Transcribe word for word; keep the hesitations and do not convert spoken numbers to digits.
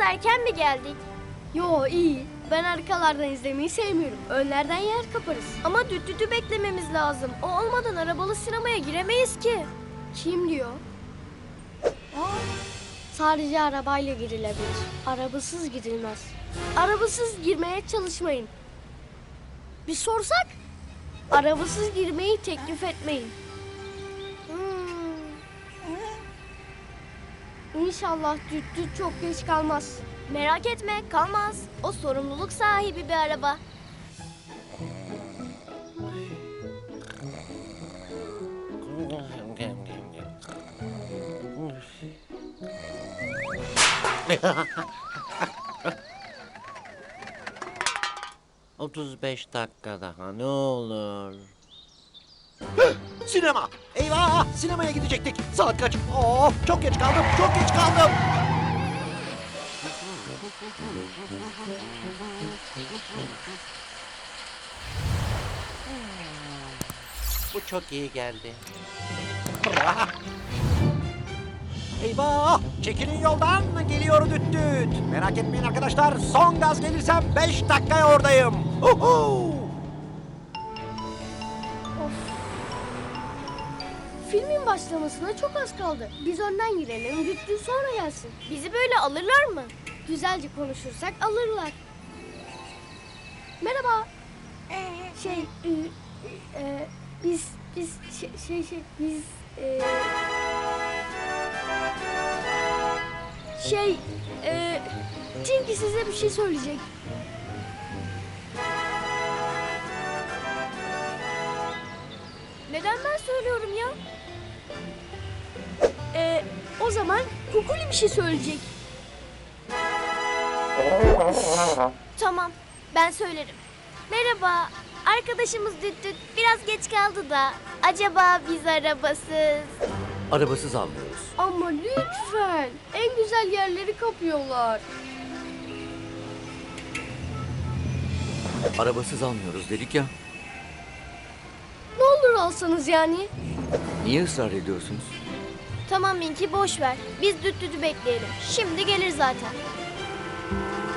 erken mi geldik? Yo iyi. Ben arkalardan izlemeyi sevmiyorum. Önlerden yer kaparız. Ama düt dütü beklememiz lazım. O olmadan arabalı sinemaya giremeyiz ki. Kim diyor? Aa, sadece arabayla girilebilir. Arabasız gidilmez. Arabasız girmeye çalışmayın. Bir sorsak? Arabasız girmeyi teklif etmeyin. Hmm. İnşallah düt düt çok geç kalmaz. Merak etme, kalmaz. O sorumluluk sahibi bir araba. otuz beş dakika daha ne olur. Sinema! Eyvah! Sinemaya gidecektik. Saat kaç? Of, çok geç kaldım, çok geç kaldım. Bu çok iyi geldi. Eyvah! Çekilin yoldan, geliyor düt düt. Merak etmeyin arkadaşlar, son gaz gelirsem beş dakikaya oradayım. Uhu! Filmin başlamasına çok az kaldı. Biz önden girelim, düt düt sonra gelsin. Bizi böyle alırlar mı? Güzelce konuşursak alırlar. Merhaba. Şey, e, e, biz, biz, şey, şey, şey biz, e, şey, e, Tinky size bir şey söyleyecek. Neden ben söylüyorum ya? E, o zaman Kukuli bir şey söyleyecek. Tamam, ben söylerim. Merhaba, arkadaşımız düt düt biraz geç kaldı da. Acaba biz arabasız? Arabasız almıyoruz. Ama lütfen, en güzel yerleri kapıyorlar. Arabasız almıyoruz dedik ya. Ne olur alsanız yani. Niye ısrar ediyorsunuz? Tamam Minki, boş ver. Biz düt dütü bekleyelim. Şimdi gelir zaten.